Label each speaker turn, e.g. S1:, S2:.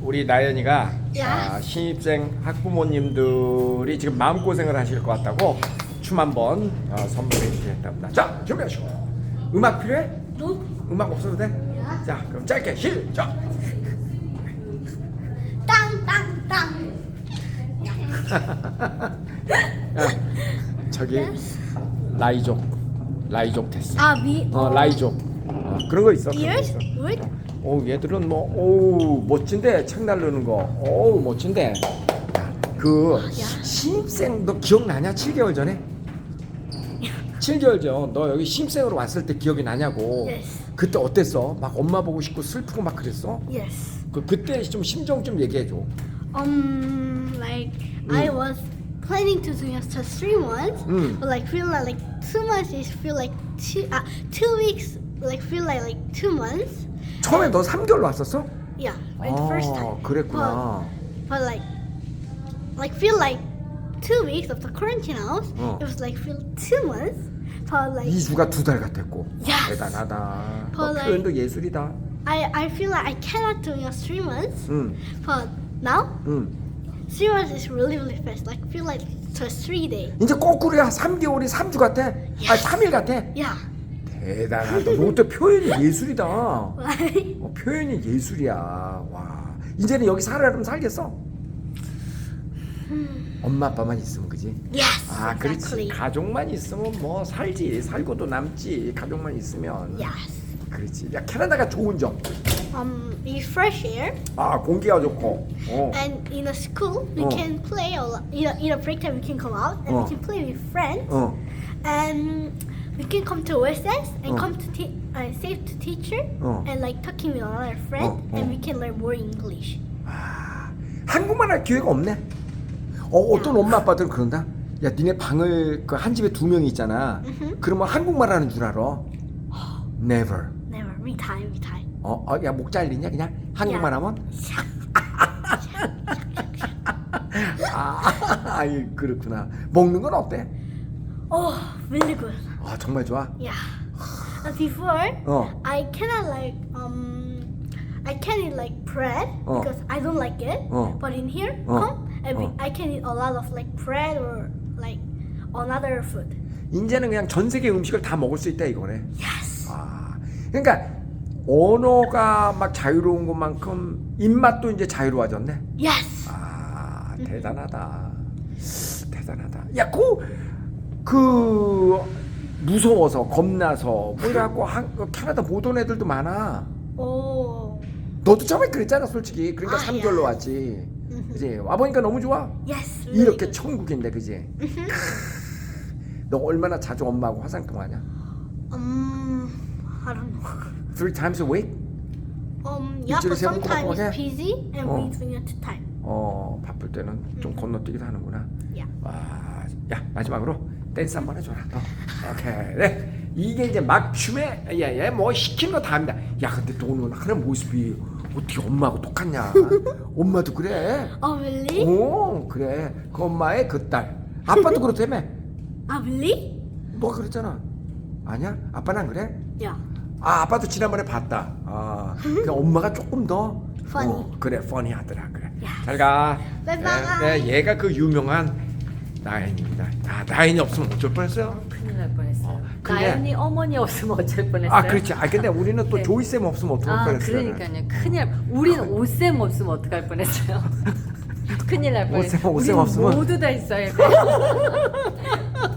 S1: 우리 나연이가
S2: 야.
S1: 신입생 학부모님들이 지금 마음고생을 하실 것 같다고 춤 한번 선물해 주겠답니다. 자, 준비하시고. 음악 필요해?
S2: 너?
S1: 음악 없어도 돼?
S2: 야.
S1: 자, 그럼 짧게 시작.
S2: 땅땅땅.
S1: 야, 저기 라이족 됐어.
S2: 아 미.
S1: 라이족. 그런 거 있어. 그런 거
S2: Ears?
S1: 있어.
S2: What?
S1: 얘들은 멋진데 책 나르는 거. 멋진데. 그 신입생 너 기억나냐? 7개월 전에? 7개월 전 너 여기 신입생으로 왔을 때 기억이 나냐고.
S2: Yes.
S1: 그때 어땠어? 막 엄마 보고 싶고 슬프고 막 그랬어?
S2: Yes.
S1: 그때 좀 심정 좀 얘기해 줘.
S2: Like I was planning to do just 3 months, but like feel like 2 months is feel like 2 weeks like feel like 2 months.
S1: 처음에 너 3개월로 왔었어?
S2: Yeah, in the first time.
S1: 그랬구나.
S2: But like feel like 2 weeks of the quarantine house.
S1: 어.
S2: It was like feel 2 months. But like
S1: 2주가 2달 같았고.
S2: Yes.
S1: 대단하다. 너
S2: But like-
S1: 표현도 예술이다.
S2: I feel like I cannot do it 3 months.
S1: 응,
S2: But now
S1: 응.
S2: 3 months is really fast. Like feel like just 3 days.
S1: 이제 거꾸로야. 3개월이 3주 같아. 3일 같아.
S2: Yeah.
S1: 대단하다. 너또 표현이 예술이다.
S2: Like
S1: 표현이 예술이야. 와. 이제는 여기 살아면 살겠어? 엄마 아빠만 있으면 그지?
S2: yes.
S1: 그렇지.
S2: Exactly.
S1: 가족만 있으면 뭐 살지. 살고도 남지. 가족만 있으면.
S2: Yes.
S1: 그렇지. 야, 캐나다가 좋은 점.
S2: We fresh air,
S1: 공기가 좋고.
S2: and in a school we
S1: Oh.
S2: can play a lot. In a break time we can come out and
S1: Oh.
S2: we can play with friends,
S1: 어.
S2: and we can come to recess and
S1: Oh.
S2: come to say to teacher
S1: Oh.
S2: and like talking with another friend,
S1: Oh, oh.
S2: and we can learn more English.
S1: 한국말 할 기회가 없네. 어떤 엄마 아빠들은 그런다. 야, 니네 방을 한 집에 2명이 있잖아. 그러면 한국말 하는 줄 알아? Never.
S2: Never retime.
S1: 야, 목 잘리냐 그냥 한국말
S2: 야.
S1: 하면? 그렇구나. 먹는 건 어때?
S2: Oh, really good.
S1: 정말 좋아.
S2: Yeah. Before
S1: 어.
S2: I cannot I can eat like bread
S1: Oh.
S2: because I don't like it.
S1: Oh.
S2: But in here,
S1: Oh.
S2: come and
S1: Oh.
S2: I can eat a lot of like bread or like another food.
S1: 이제는 그냥 전 세계 음식을 다 먹을 수 있다 이거네.
S2: Yes.
S1: 그러니까 언어가 막 자유로운 것만큼 입맛도 이제 자유로워졌네.
S2: Yes.
S1: 대단하다. 대단하다. 야, 그 무서워서 겁나서 뭐 이래갖고 캐나다 못 온 애들도 많아.
S2: Oh.
S1: 너도 처음에 그랬잖아, 솔직히. 그러니까 3개월로
S2: yeah.
S1: 왔지. 그지? 와보니까 너무 좋아.
S2: Yes. Really
S1: 이렇게
S2: good.
S1: 천국인데, 그지? 너 얼마나 자주 엄마하고 화상통화하냐?
S2: I don't know.
S1: 3 times a week?
S2: Yeah,
S1: 일주일에
S2: but
S1: 3번
S2: sometimes
S1: 꼬박꼬박 해?
S2: it's busy and
S1: 어.
S2: we doing it time.
S1: 바쁠 때는 좀 건너뛰기도 하는구나.
S2: Yeah.
S1: 와, 야, 마지막으로 댄스 한번 해줘라. 오케이. 네. 이게 이제 막춤에 뭐 시킨 거 다 합니다. 야, 근데 너는 하는 모습이 어떻게 엄마하고 똑같냐? 엄마도 그래.
S2: Oh really?
S1: 그래. 그 엄마의 그 딸. 아빠도 그렇다며.
S2: Really?
S1: 너가 그랬잖아. 아니야? 아빠는 안 그래?
S2: Yeah.
S1: 아빠도 지난번에 봤다. 그 엄마가 조금 더
S2: Funny.
S1: 그래, funny 하더라. 그래.
S2: 야.
S1: 잘 가.
S2: 바이바이.
S1: 네, 얘가 그 유명한 나인입니다. 나인이 없으면 어쩔 뻔했어요.
S3: 큰일 날 뻔했어요.
S1: 근데-
S3: 나연이 어머니 없으면 어쩔 뻔했어요.
S1: 그렇지. 근데 우리는 또
S3: 네.
S1: 조이쌤 없으면 어떡할 뻔했어요.
S3: 그러니까요. 큰일. 우리는 오쌤 없으면 어떡할 뻔했어요. 큰일 날 뻔했어요.
S1: 오쌤
S3: 우리는
S1: 없으면?
S3: 모두 다 있어야 돼.